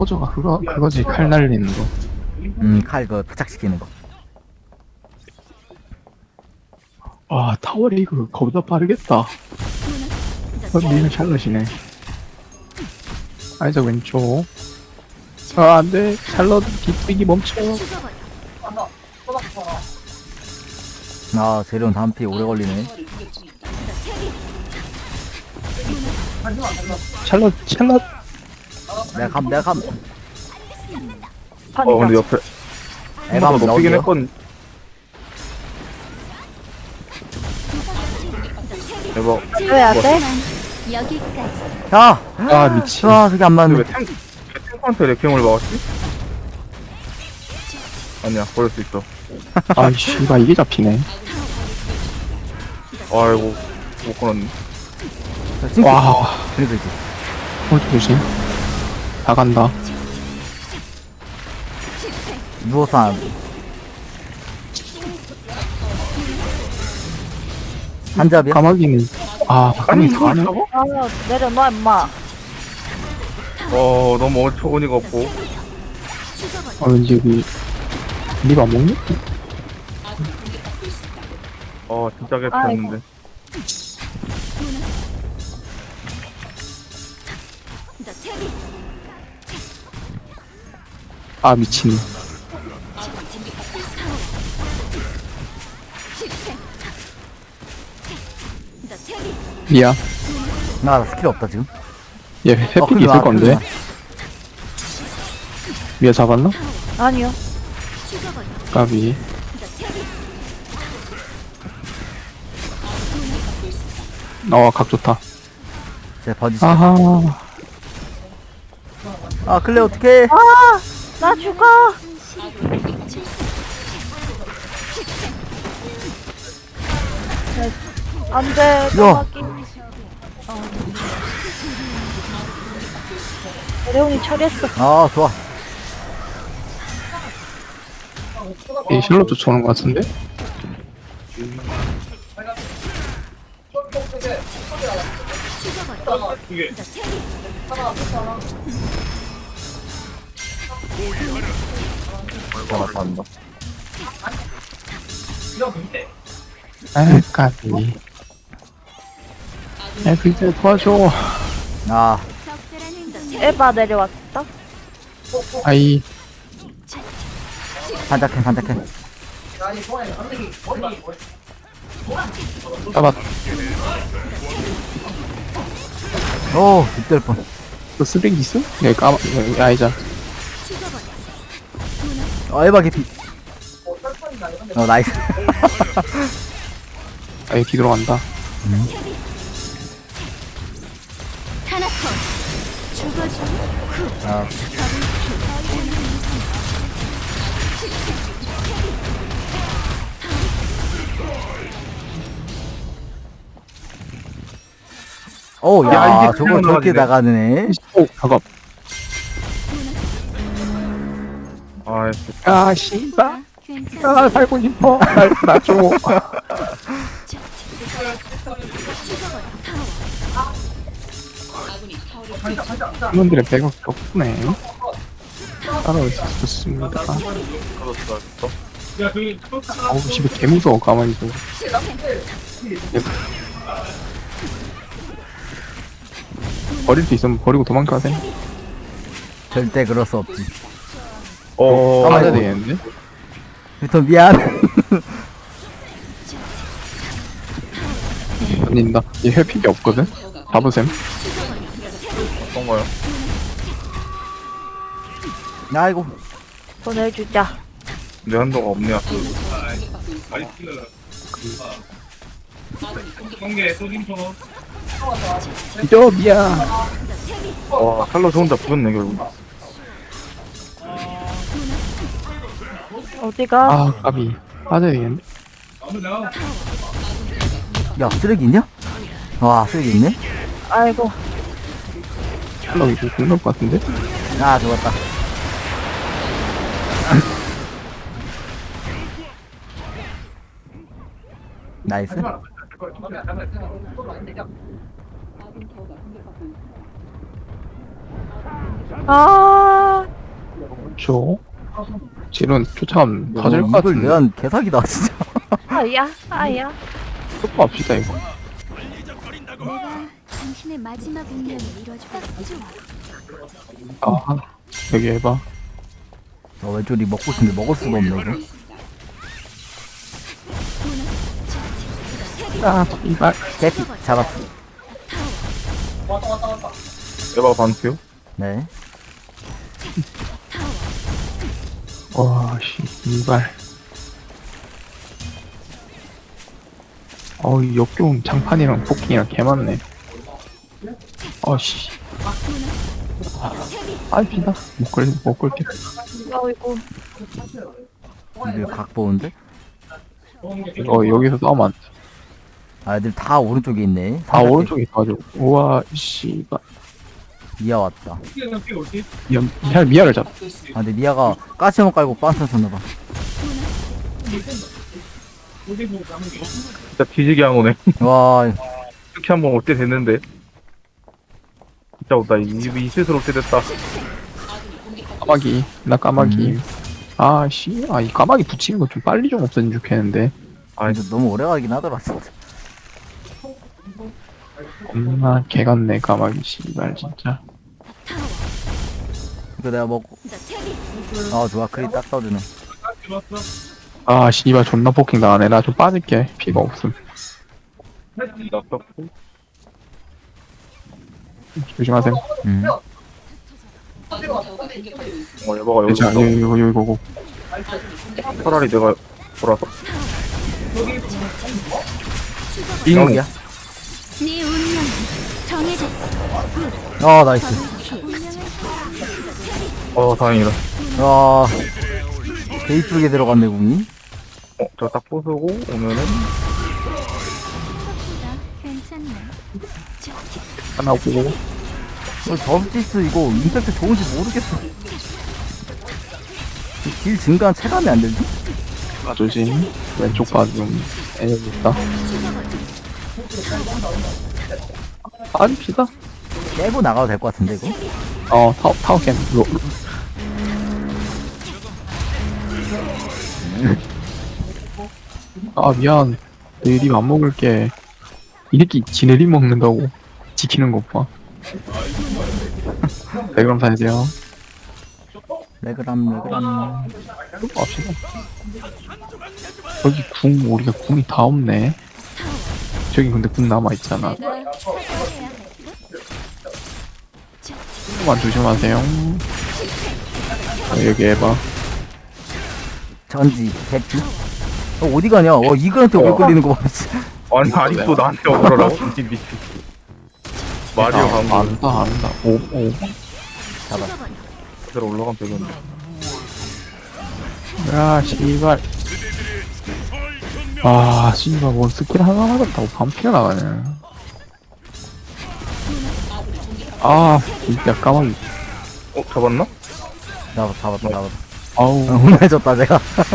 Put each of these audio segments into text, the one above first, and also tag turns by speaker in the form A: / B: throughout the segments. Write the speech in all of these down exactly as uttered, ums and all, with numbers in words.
A: 호저가 그거 그거지. 칼 날리는 거.
B: 음, 칼 그 부착시키는 거.
A: 아 타워 리그 거보다 빠르겠다. 니는 샬럿이네. 아이작 왼쪽. 아 안돼. 샬럿 뒤뛰기 멈춰.
B: 아, 재료는 다음 피 오래 걸리네.
A: 샬럿 샬럿.
B: 내가 감, 내가 감.
C: 어 근데 옆에
B: 에바
C: 한번
B: 한번
C: 높이긴
B: 넣을게요.
C: 했거든. 대박.
D: 해야 돼?
E: 여기까지.
B: 야!
A: 아 미친.
B: 아, 저게 안
C: 근데
B: 맞네.
C: 왜 탱, 왜 탱크한테 레킹을 막았지? 아니야 버릴 수 있어.
A: 아 씨발 이게 잡히네.
C: 아이고 못 끊었네.
B: 자, 찡긋.
A: 와.
B: 그래도 이제.
A: 홀드 조심. 다 간다.
B: 누워서 안. 한잡이야?
A: 까마귀는 아
C: 아니
A: 까마귀
C: 이걸
A: 가네.
C: 잡아?
D: 아, 내려놔, 임마.
C: 어 너무 어처구니가 없고.
A: 아 왠지 여기 리가 안 먹니?
C: 어 진짜 개판인데.
A: 아 미친. 미야.
B: 나 스킬 없다, 지금.
A: 얘
B: 어,
A: 회픽이
B: 큰일
A: 있을
B: 나,
A: 건데.
B: 큰일 나.
A: 미야 잡았나?
D: 아니요.
A: 까비. 어, 각 좋다.
B: 제 버지.
A: 아하.
B: 아, 클레 어떡해.
D: 아, 나 죽어. 네, 안 돼, 까마귀. 어. 레온이 처리했어.
B: 아, 좋아.
A: 이 실로 쫓아오는 것 같은데?
C: 잘한다.
A: 아, 까비. 야, 글쎄 도와줘.
B: 아,
D: 에바 내려왔다.
A: 아이,
B: 반짝해, 반짝해.
A: 잡았.
B: 오, 빗될 뻔.
A: 너 쓰레기 있어? 여기 까마, 여기 아이자.
B: 어, 에바 개피. 어, 나이스.
A: 아, 여기 들어간다.
E: 타나톤. 죽어줘.
B: 아, 오, 야,
C: 야, 이게
B: 저걸
C: 그냥
B: 저렇게
C: 나가지네.
B: 나가네.
A: 오, 작업.
C: 아
A: 아, 씨발.
E: 괜찮아.
A: 아, 살고 싶어. 날, 나 줘. 팀원들의 백업이 없네. 따라올 수 있었습니다.
C: 그렇다.
A: 어우, 씨발, 개무서워, 가만히 좀. 버릴 수 있으면 버리고 도망가야 돼.
B: 절대 그럴 수 없지.
C: 어
A: 맞아야
B: 아이고.
A: 되겠는데?
B: 빅터 미안.
A: 아닌다. 얘 회픽이 없거든? 잡으셈.
C: 어떤 거요?
B: 아이고.
D: 보내주자.
C: 내 한도가 없네.
A: 이겨, 미야.
C: 와 살로스 혼자 부었네 결국.
D: 어디가?
A: 아, 까비. 빠져야 되겠는데?
B: 야, 쓰레기 있냐? 와, 쓰레기 있네?
D: 아이고.
A: 샬럿이 좀 죽는 것 같은데?
B: 아, 죽었다. 나이스.
D: 아,
A: 저 지금 쫓아가면 터질 것
B: 이걸
A: 같은데.
B: 내한 개사기다 진짜.
D: 아야, 아야.
A: stop합시다 이거.
E: 내가 당신의 마지막 운명을 이뤄주겠어.
A: 아 여기 해봐.
B: 어, 왼쪽이 먹고 싶은데 먹을 수가 없네 이거.
A: 아 이발.
B: 개피 잡았어.
C: 에바 반피요?
B: 네.
A: 와씨 이발. 어이 역겨운 장판이랑 포킹이랑 개 많네. 어씨. 아 비다. 못 끌, 못 끌게.
D: 아이고.
B: 이들 각 보는데?
A: 이거 여기서 싸우면 안 돼.
B: 아 애들 다 오른쪽에 있네.
A: 아 오른쪽에 가져. 우와 씨발.
B: 미아 왔다.
A: 미아 미아 미아를 잡.
B: 아 근데 미아가 까치만 깔고 빤스 쳤나봐.
C: 진짜 뒤지게 한 거네.
B: 와
C: 이렇게 한번 올 때 됐는데. 진짜 없다. 이, 이 스스로 올 때 됐다.
A: 까마귀 나 까마귀. 아씨 아 이 까마귀 붙이는 거 좀 빨리 좀 없어지면 좋겠는데.
B: 아 근데 너무 오래 가긴 하더라 진짜.
A: 겁나 개 같네 까마귀 씨발 진짜.
B: 이거 내가 먹고. 아 좋아 크리 딱 떠주네.
A: 아 씨발 존나 포킹 나가네. 나 좀 빠질게. 피가 없음.
C: 나빴고.
A: 조심하세요.
B: 음.
C: 어, 에바가 여기
A: 자
C: 있어.
A: 여기 여기 여기 보고.
C: 차라리 내가 돌아서.
B: 이놈이야.
E: 네 운명은 정해졌어.
B: 아 나이스.
E: 운명을
C: 어, 다행이다.
B: 와. 개 이쁘게 들어갔네 궁이.
C: 어, 저 딱 부수고 오면은.
E: 생각보다 괜찮네.
A: 하나 보고.
B: 어, 저스티스 이거 임팩트 좋은지 모르겠어. 이딜 증가한 체감이 안 되지?
A: 아 조심. 왼쪽 봐좀 애들 있다. 아니 피다.
B: 깨고 나가도 될 것 같은데 이거?
A: 어 타워 타워 캠. 로. 아 미안. 내 립 안 먹을게. 이 새끼 지네 립 먹는다고 지키는 것 봐. 네 그럼 사세요.
B: 레그람 레그람.
A: 갑시다. 여기 궁 우리가 궁이 다 없네. 저기 근데 궁 남아 있잖아.
E: 내가 사과해야 할
A: 조금만 조심하세요. 어, 여기 해봐.
B: 전지 개피. 어 어디 가냐? 어 이글한테 오래 걸리는 거 봐.
C: 아니, 아직도 나한테 오더라고. 이 미친. 마리오
A: 아,
C: 방금
A: 안다 안다. 오 오.
B: 잡아.
C: 그대로 올라가면 되겠네.
A: 야 씨발. 아 씨발 뭔 스킬 하나 맞았다고 반피가 나가네. 아 진짜 까마귀.
C: 어, 잡았나?
B: 잡아 잡았다 잡았다.
A: 아우
B: 아, 혼내줬다 제가.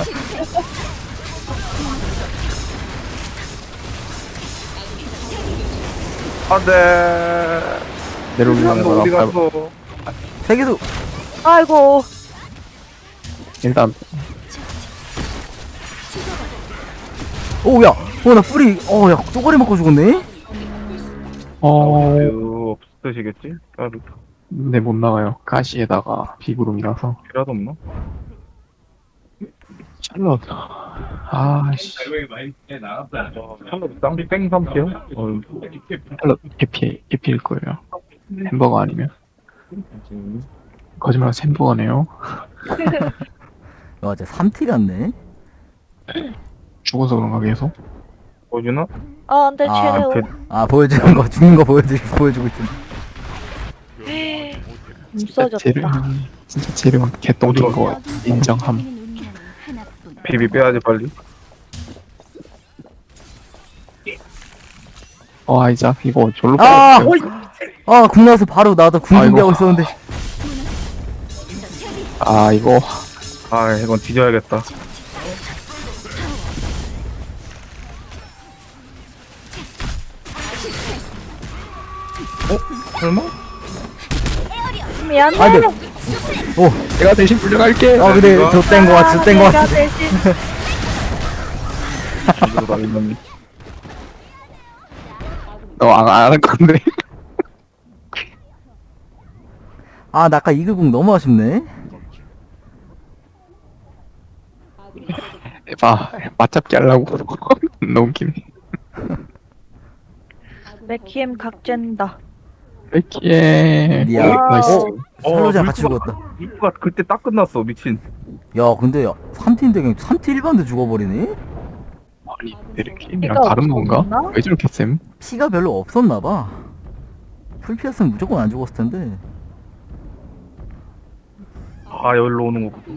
C: 안 돼.
A: 내려올라는
C: 너 어디
A: 거랑
C: 갔어?
B: 세계수.
D: 아이고.
A: 일단
B: 오야. 어나 뿌리. 어야 쪼가리 먹고 죽었네.
A: 어
C: 어, 없으시겠지? 까비.
A: 네 못 나가요. 가시에다가 비구름이라서.
C: 필요도 없나?
A: 샬럿. 아씨.
C: 샬롯 쌍비 뺑 삼피요? 어,
A: 샬럿 개피 개피일 거예요. 햄버거 아니면 거짓말 햄버거네요.
B: 와 진짜 삼 티 같네.
A: 죽어서 그런가 계속.
C: 보여주나?
D: 아, 근데
B: 아,
D: 최대호.
C: 그-
B: 아 보여주는 거 죽는 거 보여주 보여주고 있어.
A: 재료
D: 없어졌다.
A: 진짜 재료가 개똥인 거 인정함.
E: 운명은 하나뿐.
C: 비비 빼야지 빨리.
A: 어 아이작 이거 졸로
B: 아!
A: 빨리.
B: 아, 궁 나와서 바로 나도 궁
A: 아이고.
B: 준비하고 있었는데.
A: 아 이거
C: 아, 이건 뒤져야겠다. 어? 설마?
D: 미안해.
B: 아, 근데, 오,
A: 내가 대신 불려갈게.
B: 아, 근데, 좆된 거 같아, 좆된 거
D: 내가
B: 같아.
D: 대신
C: 이거 나 이놈이.
A: 너안 안 할 건데.
B: 아, 나 아까 이글궁 너무 아쉽네.
A: 봐, 맞잡기 하려고. 너무 웃기네.
D: 맥키엠 각젠다.
A: 백키에.
B: 미안.
A: 나이스.
B: 어, 살로자 같이 죽었다.
C: 물프가 그때 딱 끝났어 미친.
B: 야, 근데, 삼 티인데 그냥 삼 티 일반데 죽어버리네?
A: 아니, 이렇게 이랑
D: 피가
A: 다른 건가?
D: 없었나?
A: 왜 저렇게 쌤?
B: 피가 별로 없었나봐. 풀피였으면 무조건 안 죽었을 텐데.
C: 아 여기로 오는 거.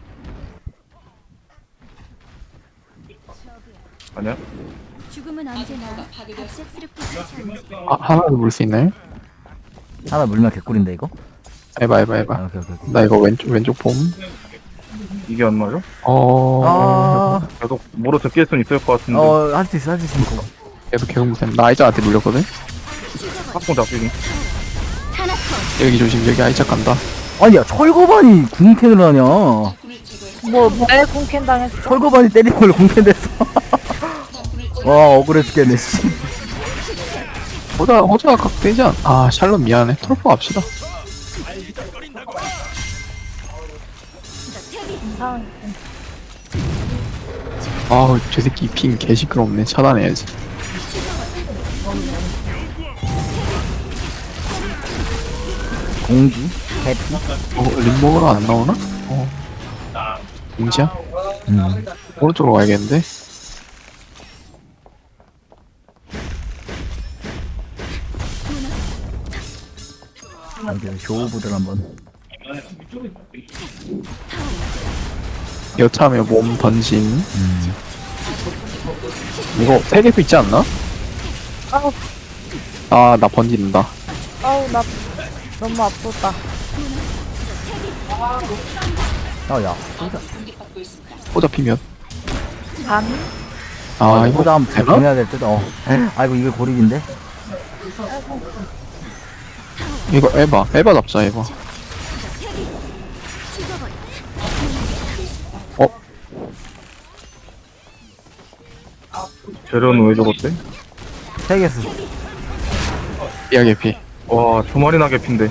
C: 아니야?
E: 죽음은 언제나 갑작스럽게 찾아오지.
A: 아, 하나도 물 수 있나요?
B: 하나 물면 개꿀인데, 이거?
A: 해봐, 해봐,
B: 아,
A: 해봐.
B: 오케이, 오케이, 오케이.
A: 나 이거 왼쪽, 왼쪽 봄.
C: 이게 안 맞아?
A: 어,
B: 아,
C: 계속 물어 적게 수는 있을 것 같은데.
B: 어, 할 수 있어, 할 수 있어.
A: 계속 계속 쌤. 나 아이작한테 물렸거든?
C: 팝콘 잡히니.
A: 여기 조심, 여기 아이작 간다.
B: 아니, 야, 철거반이 궁캔을 하냐.
D: 뭐 뭐에 공캔 당했어?
B: 철거반이 때리는 걸로 궁캔 됐어. 와, 억울해 죽겠네, 씨.
A: 호자, 호자가 각되지 않, 아, 샬롯 미안해. 트로프 갑시다.
D: 이상.
A: 아우, 저 새끼 핑 개시끄럽네. 차단해야지.
B: 공주? 해피?
A: 어, 림 먹으러 안 나오나? 어. 공지야?
B: 음.
A: 오른쪽으로 가야겠는데?
B: 여기 쇼부들 한번.
A: 여차하면 몸 던짐.
B: 음.
A: 이거 세 개도 있지 않나?
D: 아우
A: 아, 나 번진다.
D: 아우 나 너무 아프다.
B: 아, 야, 호자.
A: 호자 피면.
D: 반.
A: 아, 이거
B: 호자 한번
A: 되나?
B: 보내야 될 듯, 어. 아이고, 이거 고립인데?
A: 이거 에바. 에바 잡자, 에바. 어?
C: 재료는 왜 적었대?
B: 세 개수.
A: 이야기 피.
C: 와 주말이나 개핀데.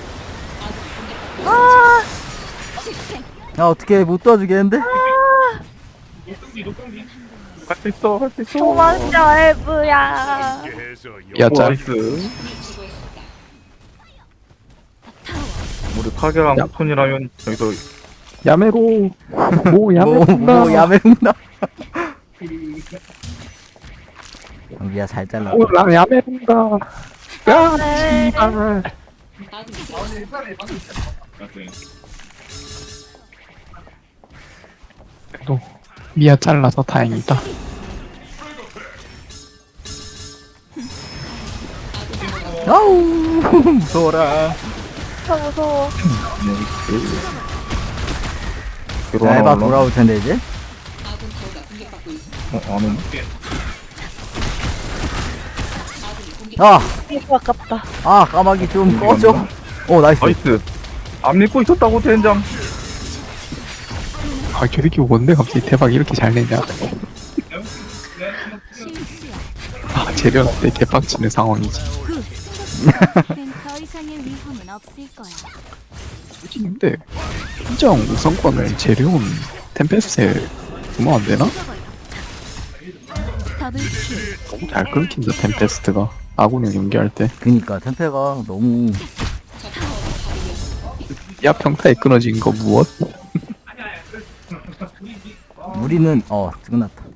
B: 야, 어떻게 못 도와주겠는데?
C: 할 수 있어 할 수 있어.
D: 도망쳐 엘브야.
A: 야, 짤.
C: 나이스. 우리 타겟랑
A: 야.
C: 톤이라면 여기서
A: 야메로. 오,
B: 뭐,
A: 야메로다.
B: 뭐, 야매운다. 여기야, 잘 잘라.
A: 오, 나 야메로다. 야, 씨발. 또 미아 잘라서 다행이다.
B: 아우, 무서워라.
D: 저 무서워.
C: 뒤로
B: 자,
C: 하나
B: 에바
C: 올라.
B: 돌아올 텐데, 이제.
C: 어, 안 오네.
B: 아,
D: 이거 아깝다.
B: 아, 까마귀 좀 꺼져. 오, 나이스.
C: 나이스. 안 믿고 있었다고 젠장.
A: 아, 저 새끼 뭔데 갑자기 대박 이렇게 잘 내냐.
E: 실수야.
A: 아, 재련한테 개빡치는 상황이지.
E: 굿. 이젠 더 이상의 위험은 없을 거야.
A: 솔직히 근데 인정 우선권을 재료온 템페스트에 주면 안 되나?
E: 더블 킬.
A: 너무 잘 끊긴다 템페스트가 아군을 연기할 때.
B: 그니까, 템페가 너무.
A: 야, 평타에 끊어진 거 무엇?
B: 우리는, 어, 끝났다.